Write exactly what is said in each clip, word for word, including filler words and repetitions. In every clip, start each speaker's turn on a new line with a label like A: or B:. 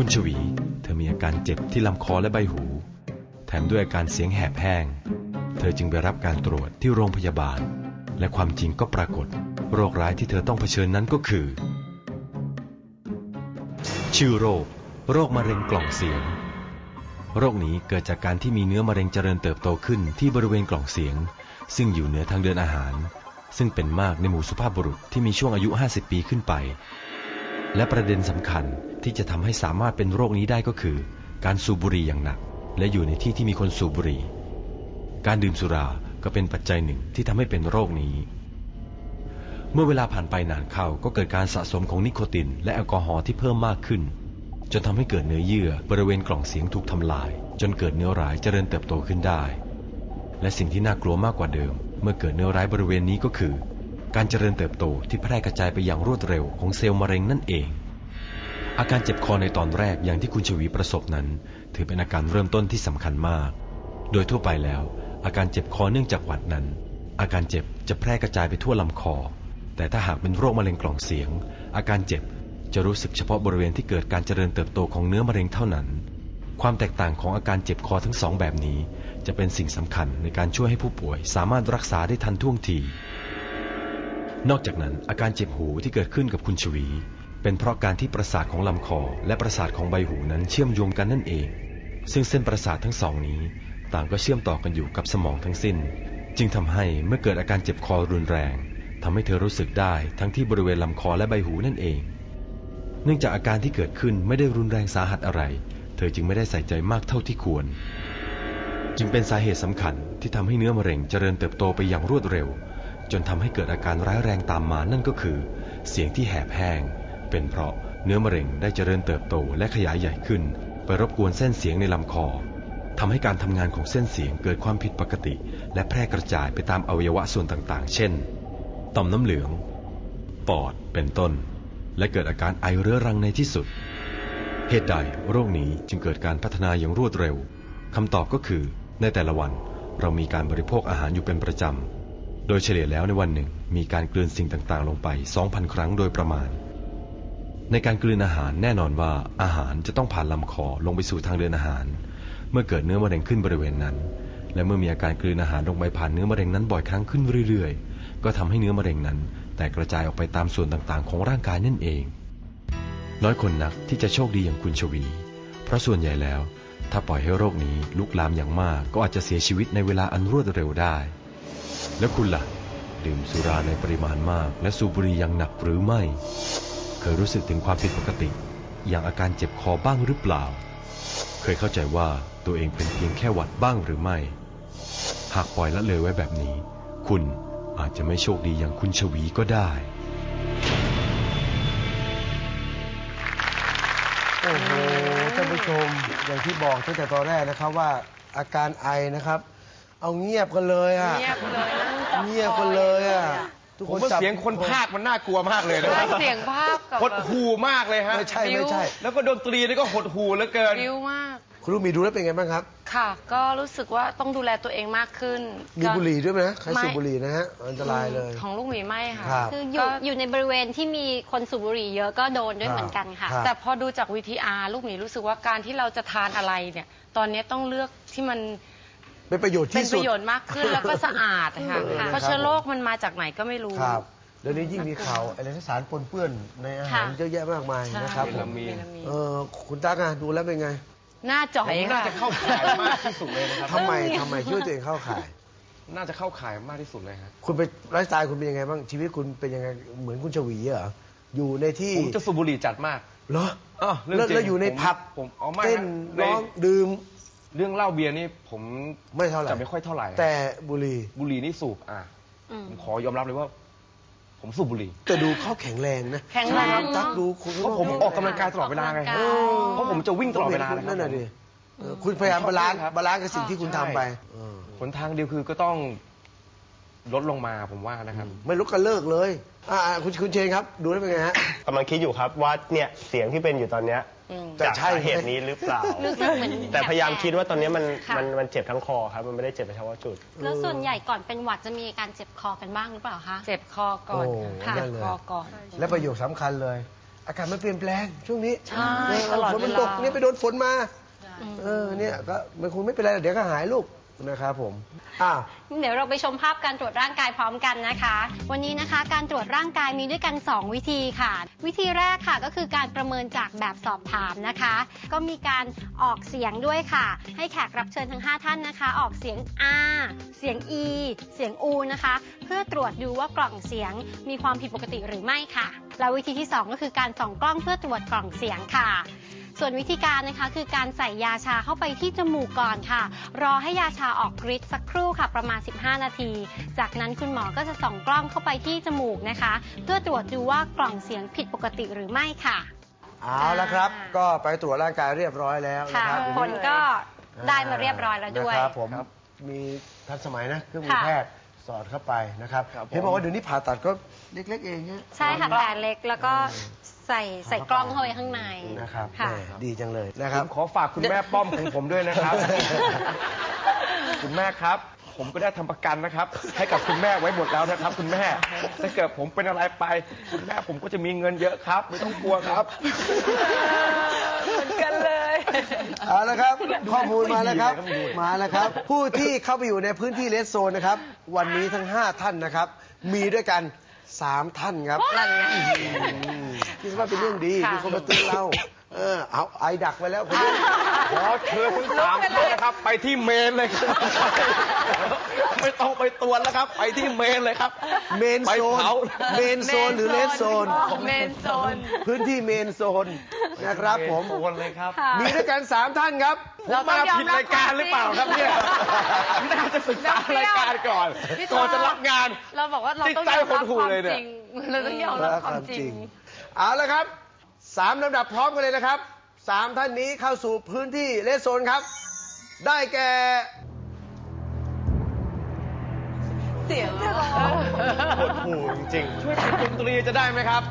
A: คุณชวีเธอมีอาการเจ็บที่ลำคอและใบหูแถมด้วยอาการเสียงแหบแห้งเธอจึงไปรับการตรวจที่โรงพยาบาลและความจริงก็ปรากฏโรคร้ายที่เธอต้องเผชิญนั้นก็คือชื่อโรคโรคมะเร็งกล่องเสียงโรคนี้เกิดจากการที่มีเนื้อมะเร็งเจริญเติบโตขึ้นที่บริเวณกล่องเสียงซึ่งอยู่เหนือทางเดินอาหารซึ่งเป็นมากในหมู่สุภาพบุรุษที่มีช่วงอายุห้าสิบปีขึ้นไปและประเด็นสำคัญที่จะทำให้สามารถเป็นโรคนี้ได้ก็คือการสูบบุหรี่อย่างหนักและอยู่ในที่ที่มีคนสูบบุหรี่การดื่มสุราก็เป็นปัจจัยหนึ่งที่ทำให้เป็นโรคนี้เมื่อเวลาผ่านไปนานเข้าก็เกิดการสะสมของนิโคตินและแอลกอฮอล์ที่เพิ่มมากขึ้นจนทำให้เกิดเนื้อเยื่อบริเวณกล่องเสียงถูกทำลายจนเกิดเนื้อร้ายเจริญเติบโตขึ้นได้และสิ่งที่น่ากลัวมากกว่าเดิมเมื่อเกิดเนื้อร้ายบริเวณนี้ก็คือการเจริญเติบโตที่แพร่กระจายไปอย่างรวดเร็วของเซลล์มะเร็งนั่นเองอาการเจ็บคอในตอนแรกอย่างที่คุณชวีประสบนั้นถือเป็นอาการเริ่มต้นที่สำคัญมากโดยทั่วไปแล้วอาการเจ็บคอเนื่องจากหวัดนั้นอาการเจ็บจะแพร่กระจายไปทั่วลำคอแต่ถ้าหากเป็นโรคมะเร็งกล่องเสียงอาการเจ็บจะรู้สึกเฉพาะบริเวณที่เกิดการเจริญเติบโตของเนื้อมะเร็งเท่านั้นความแตกต่างของอาการเจ็บคอทั้งสองแบบนี้จะเป็นสิ่งสำคัญในการช่วยให้ผู้ป่วยสามารถรักษาได้ทันท่วงทีนอกจากนั้นอาการเจ็บหูที่เกิดขึ้นกับคุณชวีเป็นเพราะการที่ประสาทของลำคอและประสาทของใบหูนั้นเชื่อมโยงกันนั่นเองซึ่งเส้นประสาททั้งสองนี้ต่างก็เชื่อมต่อกันอยู่กับสมองทั้งสิ้นจึงทำให้เมื่อเกิดอาการเจ็บคอรุนแรงทำให้เธอรู้สึกได้ทั้งที่บริเวณลำคอและใบหูนั่นเองเนื่องจากอาการที่เกิดขึ้นไม่ได้รุนแรงสาหัสอะไรเธอจึงไม่ได้ใส่ใจมากเท่าที่ควรจึงเป็นสาเหตุสำคัญที่ทำให้เนื้อมะเร็งเจริญเติบโตไปอย่างรวดเร็วจนทำให้เกิดอาการร้ายแรงตามมานั่นก็คือเสียงที่แหบแห้งเป็นเพราะเนื้อมะเร็งได้เจริญเติบโตและขยายใหญ่ขึ้นไปรบกวนเส้นเสียงในลำคอทำให้การทำงานของเส้นเสียงเกิดความผิดปกติและแพร่กระจายไปตามอวัยวะส่วนต่างๆเช่นต่อมน้ำเหลืองปอดเป็นต้นและเกิดอาการไอเรื้อรังในที่สุดเหตุใดโรคนี้จึงเกิดการพัฒนาอย่างรวดเร็วคำตอบก็คือในแต่ละวันเรามีการบริโภคอาหารอยู่เป็นประจำโดยเฉลี่ยแล้วในวันหนึ่งมีการกลืนสิ่งต่างๆลงไป สองพัน ครั้งโดยประมาณในการกลืนอาหารแน่นอนว่าอาหารจะต้องผ่านลำคอลงไปสู่ทางเดินอาหารเมื่อเกิดเนื้อมะเร็งขึ้นบริเวณนั้นและเมื่อมีอาการกลืนอาหารลงไปผ่านเนื้อมะเร็งนั้นบ่อยครั้งขึ้นเรื่อยๆก็ทำให้เนื้อมะเร็งนั้นแตกกระจายออกไปตามส่วนต่างๆของร่างกายนั่นเองน้อยคนนักที่จะโชคดีอย่างคุณชวีเพราะส่วนใหญ่แล้วถ้าปล่อยให้โรคนี้ลุกลามอย่างมากก็อาจจะเสียชีวิตในเวลาอันรวดเร็วได้แล้วคุณล่ะดื่มสุราในปริมาณมากและสูบบุหรี่อย่างหนักหรือไม่เคยรู้สึกถึงความผิดปกติอย่างอาการเจ็บคอบ้างหรือเปล่าเคยเข้าใจว่าตัวเองเป็นเพียงแค่หวัดบ้างหรือไม่หากปล่อยละเลยไว้แบบนี้คุณอาจจะไม่โชคดีอย่างคุณชวีก็ได้
B: โอ้โหท่านผู้ชมอย่างที่บอกตั้งแต่ตอนแรกนะครับว่าอาการไอนะครับเอาเงียบกันเลยอ่ะเงียบเลยเงียบกันเลยอ่ะทุกคนเสียงคนพากย์มันน่ากลัวมากเลยนะ
C: เสียงพากย์
B: หดหูมากเลยฮะไม่ใช่ไม่ใช่แล้วก็ดนตรีนี่ก็หดหูเหลือเกิน
C: บิ้วมาก
B: คุณลูกมีดูแล้วเป็นไงบ้างครับ
C: ค่ะก็รู้สึกว่าต้องดูแลตัวเองมากขึ้น
B: มีบุหรี่ด้วยไหมใครสูบบุหรี่นะฮะอันตรายเลย
C: ของลูกหมีไม่ค่ะ
D: คืออยู่อยู่ในบริเวณที่มีคนสูบบุหรี่เยอะก็โดนด้วยเหมือนกันค่ะ
C: แต่พอดูจาก วี ที อาร์ ลูกหมีรู้สึกว่าการที่เราจะทานอะไรเนี่ยตอนนี้ต้องเลือกที่มัน
B: เป็นประโยชน์ที่สุด
C: เป็นประโยชน์มากขึ้นแล้วก็สะอาดค่ะเพราะเชื้อโรคมันมาจากไหนก็ไม่รู้
B: ครับเดี๋ยวนี้ยิ่งมีข่าวอะไรสารปนเปื้อนในอาหารเยอะแยะมากมายนะครับผมเออคุณตากาดูแล้วเป็นไง
C: หน้าจ่อย
E: น่าจะเข้าข่ายมากที่สุดเลยนะครับ
B: ทำไมทำไมช่วยตัวเองเข้าข่าย
E: น่าจะเข้าข่ายมากที่สุดเลยครับ
B: คุณเป็นไลฟ์สไตล์คุณเป็นยังไงบ้างชีวิตคุณเป็นยังไงเหมือนคุณชวีเหรออยู่ในที่
E: ผมจะสูบบุหรี่จัดมาก
B: เหรออ๋อแล้วอยู่ในผับ
E: ผมเอาไม่
B: เต้นร้องดื่ม
E: เรื่องเหล้าเบียร์นี่ผม
B: ไม่เท่าไหร่
E: จะไม่ค่อยเท่าไหร่
B: แต่บุหรี่
E: บุหรี่นี่สูบอ่ะผมขอยอมรับเลยว่าผมสูบบุหรี่
B: แต่ดูเขาแข็งแรงนะ
C: แข็งแรง
B: ตักดูคุณ
E: เพราะผมออกกำลังกายตลอดเวลาไงเพราะผมจะวิ่งตลอดเวลา
B: นั่นน่ะดิคุณพยายามบาลานซ์บาลานซ์กับสิ่งที่คุณทำไป
E: ผลทางเดียวคือก็ต้องลดลงมาผมว่านะครับ
B: ไม่ลดก็เลิกเลยอ่าคุณคุณเชนครับดูได้เป็นไงฮะ
F: กำลังคิดอยู่ครับว่าเนี่ยเสียงที่เป็นอยู่ตอนเนี้ยจากสาเหตุนี้หรือเปล่าแต่พยายามคิดว่าตอนนี้มันมันมันเจ็บทั้งคอครับมันไม่ได้เจ็บเฉพาะจุด
D: แล้วส่วนใหญ่ก่อนเป็นหวัดจะมีการเจ็บคอกันบ้างหรือเปล่าคะ
C: เจ็บคอก่อน
D: ค่ะ
C: เจ็บคอก่อน
B: และประโยคสำคัญเลยอากาศมันเปลี่ยนแปลงช่วงนี้
C: ใช่
B: เออ
C: ตลอด
B: ฝนมัน
C: เวลา
B: ตกเนี่ยไปโดนฝนมาเออเนี่ยก็มันคงไม่เป็นไรเดี๋ยวก็หายลูกนะครับผมอ้าว
D: เดี๋ยวเราไปชมภาพการตรวจร่างกายพร้อมกันนะคะ วันนี้นะคะการตรวจร่างกายมีด้วยกัน สอง วิธีค่ะ วิธีแรกค่ะก็คือการประเมินจากแบบสอบถามนะคะ ก็มีการออกเสียงด้วยค่ะ ให้แขกรับเชิญทั้งห้าท่านนะคะ ออกเสียง R เสียง E เสียง U นะคะ เพื่อตรวจดูว่ากล่องเสียงมีความผิดปกติหรือไม่ค่ะ และวิธีที่สองก็คือการส่องกล้องเพื่อตรวจกล่องเสียงค่ะ ส่วนวิธีการนะคะคือการใส่ยาชาเข้าไปที่จมูกก่อนค่ะ รอให้ยาชาออกฤทธิ์สักครู่ค่ะประมาณสิบห้านาที จากนั้นคุณหมอก็จะส่องกล้องเข้าไปที่จมูกนะคะ เพื่อตรวจดูว่ากล่องเสียงผิดปกติหรือไม่ค่ะ
B: เอาละครับ ก็ไปตรวจร่างกายเรียบร้อยแล้วนะ
D: ค่ะ
B: ครับ
D: ผลก็ได้มาเรียบร้อยแล้วด้วย
B: นะครับผมมีทันสมัยนะเครื่องมือ
D: ค่ะ
B: แพทย์สอดเข้าไปนะครับ
E: ครับผม
B: เห็นบอกว่าเดี๋ยวนี้ผ่าตัดก็เล็กๆเองเนี่ย
D: ใช่ค่ะแต่เล็กแล้วก็ใส่ใส่กล้องเข้าไปข้างใน
B: นะครับ
D: ค่ะ
B: แหม่ดีจังเลยนะค
E: ผ
B: รับ
E: มขอฝากคุณแม่ป้อมของผมด้วยนะครับ คุณแม่ครับ ผมก็ได้ทำประกันนะครับ ให้กับคุณแม่ไว้หมดแล้วนะครับ คุณแม่ถ้าเกิดผมเป็นอะไรไป คุณแม่ผมก็จะมีเงินเยอะครับ ไม่ต้องกลัวครับ
C: เหมือนกันเลย
B: เอาละครับข้อมูลมาแล้วครับ
E: ไม่ดีเลยครับ
B: มาแล้วครับ ผู้ที่เข้าไปอยู่ในพื้นที่เลสโซนนะครับ วันนี้ทั้งห้าท่านนะครับ มีด้วยกันสามท่านครับ
C: นั่นไง
B: อืมคิดว่าเป็นเรื่องดี
C: ค่ะ
B: มีคนมาเตือนเราเออเอาไอดักไว้แล้วคนนี้
E: ขอเชิญทั้งสามท่านนะครับ ไปที่เมนเลยครับ ไม่ต้องไปตรวจแล้วครับ ไปที่เมนเลยครับ
B: เมน
E: ไป
B: โซน
E: เผา
B: เมนโซนหรือเลสโซน
C: เมนโซน
B: พื้นที่เมนโซนนะครับผม
E: โซนเลยครับ
D: ค่ะ
B: มีด้วยกันสามท่านครับ
E: ผมมาผิดรายการหรือเปล่าครับเนี่ยน่าจะศึกษารายการก่อน
C: พี่
E: ก่อนจะรับงาน
C: เราบอกว่าเราต้อง
E: จิตใจ
C: ยอมรับ
E: หดหู่
C: ความ
E: เลยเนี่ย
C: จริงเราต้องยอมรับความจริง
B: เอาละครับสามลำดับพร้อมกันเลยนะครับสามท่านนี้เข้าสู่พื้นที่เลสโซนครับ ได้แก่
C: เสียง
E: หดหู่จริงๆ ช่วยติดดนตรีจะได้ไหมครับ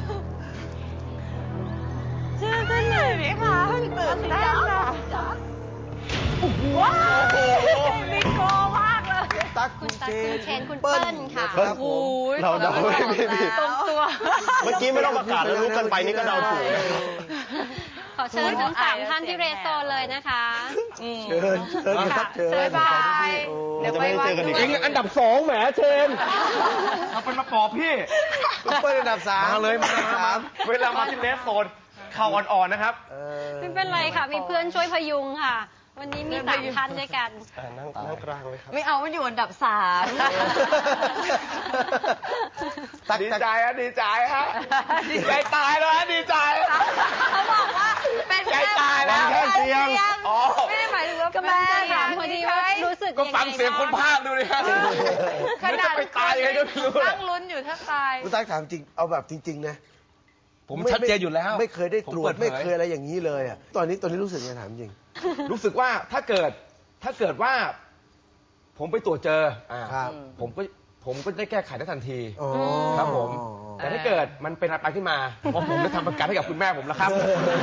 C: เชื่อกันหน่อยไหมคะตื่นเต้นอะว้าวมีโกมากเลย
B: ตั๊ก
D: คุ
B: คุณ ณ
D: ตั๊ก
B: เจ
D: คุณ
B: น
D: เชนคุณเปิ้ลค่ะ
B: นะครับผม
F: เราเดาไม่ผิด
C: ตรงตัว
F: เมื่อกี้ไม่ต้องประกาศแล้วรู้กันไปนี่ก็เดาถูกนะ
D: ขอเชิญทั้งสามท่านที่เรสโซนเลยนะคะ
B: เชิญเชิญครับเชิญ
C: บ๊ายบาย
B: โอ้
C: เดี๋ยว
F: จะไม่ได้เจอกันอีก
E: เองอันดับสองแหมเชนเอาเป็นมาปอบพี่
B: คุณเปิ้ลอันดับสาม
E: มาเลยมา
B: อันดับ
E: มา
B: สาม
E: เวลามาที่เลสโซนเข่าอ่อนๆนะครับ
B: เออ
D: ไม่เป็นไรค่ะ มีเพื่อนช่วยพยุงค่ะ วันนี้มีสามท่านด้วยกัน
F: อ่านั่งนั่งกลางเลยครับ
C: ไม่เอามันอยู่อันดับสาม
B: ตั๊ก
E: ดี
B: ตั๊ก
E: ใจฮะดีใจฮะดีใจตายแล้วฮะดีใจ
C: เขาบอกว่าเป็น
E: ใจตายแล้ว
C: แค่เสียง
E: อ๋อ
C: ไม่ได้หมายถึงว่า
D: ก็แม่ถามพอดีว่ารู้สึก
E: ก็
D: ยังไง
E: ฟังเสียงคนพากย์ดูดิฮะ
C: ขนาด
E: ไม่จะไปตายยังไงก็ไม่รู้
C: นั่งลุ้นอยู่ถ้าตาย
B: คุณตั๊กถามจริงเอาแบบจริง ๆ นะ
E: ผมชัดเจนอยู่แล้ว
B: ไม่เคยได้ตรว
E: ผมเปิ
B: จ
E: ดเผย
B: ไม่เคยอะไรอย่างนี้เลยอ่ะตอนนี้ตอนนี้รู้สึกไงถามจริง
E: รู้สึกว่าถ้าเกิดถ้าเกิดว่า ผมไปตรวจเจออ่า
B: ครับ
E: ผมก็ผมก็ได้แก้ไขได้ทันที
B: อ๋อ
E: ครับผม แต่ถ้าเกิดมันเป็นอะไรขึ้นมาเพราะผมได้ทำประกันให้กับคุณแม่ผมแล้วครับ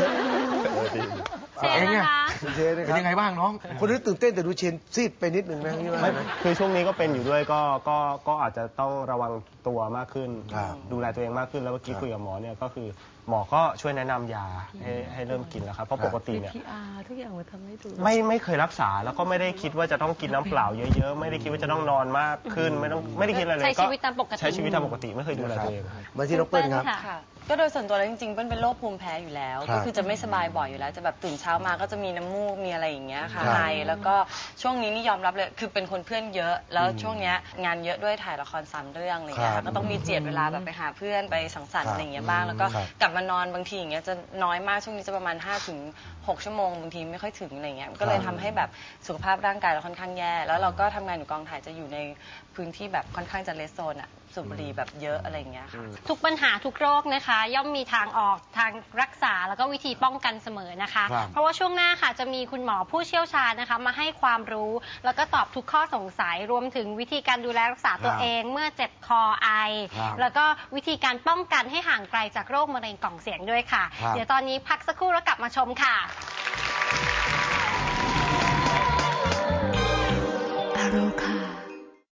D: เชนนะคะ
B: คุณเชนนะ
E: เป็
B: คน รับ
E: ยังไงบ้างน้อง
B: คนนี้ตื่นเต้นแต่ดูเชนซีดไปนิดนึงนะนี่ว่า
F: ไม่
B: ไหม
F: คือช่วงนี้ก็เป็นอยู่ด้วยก็ก็ก็อาจจะต้องระวังตัวมากขึ้น
B: ครับ
F: ดูแลตัวเองมากขึ้นแล้วเมื่อกี้
B: ครับ
F: คุยกับหมอเนี่ยก็คือหมอก็ช่วยแนะนำยาให้ให้เริ่มกินแล้วครับเพราะปกติเนี่ย
C: พีอาร์ทุกอย่างมันทำให้ดู
F: ไม่ไม่เคยรักษาแล้วก็ไม่ได้คิดว่าจะต้องกินน้ำเปล่าเยอะๆ ไม่ได้คิดว่าจะต้องนอนมากขึ้นไม่ต้องไม่ได้คิดอะไรเลย
D: ใช้ชีวิตตามปกติ
F: ใช้ชีวิตตามปกติไม่เคยดูแลตัวเองครับ
B: มาที่น้องเปิ้ลครับ
D: ค่ะ
G: ก็โดยส่วนตัวแล้วจริงๆเปิ้ลเป็นโรคภูมิแพ้อยู่แล้ว
B: ครับ
G: ก็คือจะไม่สบายบ่อยอยู่แล้ว จะแบบตื่นเช้ามาก็จะมีน้ำมูกมีอะไรอย่างเงี้ยค่ะ
B: ครับ
G: ไอแล้วก็ช่วงนี้นี่ยอมรับเลยคือเป็นคนเพื่อนเยอะ แล้วช่วงเนี้ยงานเยอะด้วยถ่ายละครสามเรื่องอะไรอย่างเงี้ย
B: ครับ
G: ค่ะก็ต้องมีเจียดเวลาแบบไปหาเพื่อนไปสังสรร
B: ครับ
G: ค์อะไรอย่างเงี้ยบ้างแล้วก็
B: ครับ
G: กลับมานอนบางทีอย่างเงี้ยจะน้อยมากช่วงนี้จะประมาณห้าถึงหกชั่วโมงบางทีไม่ค่อยถึงอะไรเงี้ยก็เลยทำให้แบบสุขภาพร่างกายเราค่อนข้างแย่แล้วเราก็ทำงานอยู่กองถ่ายจะอยู่ในพื้นที่แบบค่อนข้างจะเลสโซนอะสูบบุหรี่แบบเยอะอะไรอย่างเงี้ยค่ะ
D: ทุกปัญหาทุกโรคนะคะ ย่อมมีทางออกทางรักษาแล้วก็วิธีป้องกันเสมอนะคะ
B: ครับ
D: เพราะว่าช่วงหน้าค่ะจะมีคุณหมอผู้เชี่ยวชาญนะคะ มาให้ความรู้แล้วก็ตอบทุกข้อสงสัยรวมถึงวิธีการดูแลรักษาตัวเองเมื่อเจ็บคอไอ
B: ครับ
D: แล้วก็วิธีการป้องกันให้ห่างไกลจากโรคมะเร็งกล่องเสียงด้วยค่ะ
B: ครับ
D: เดี๋ยวตอนนี้พักสักครู่แล้วกลับมาชมค่ะ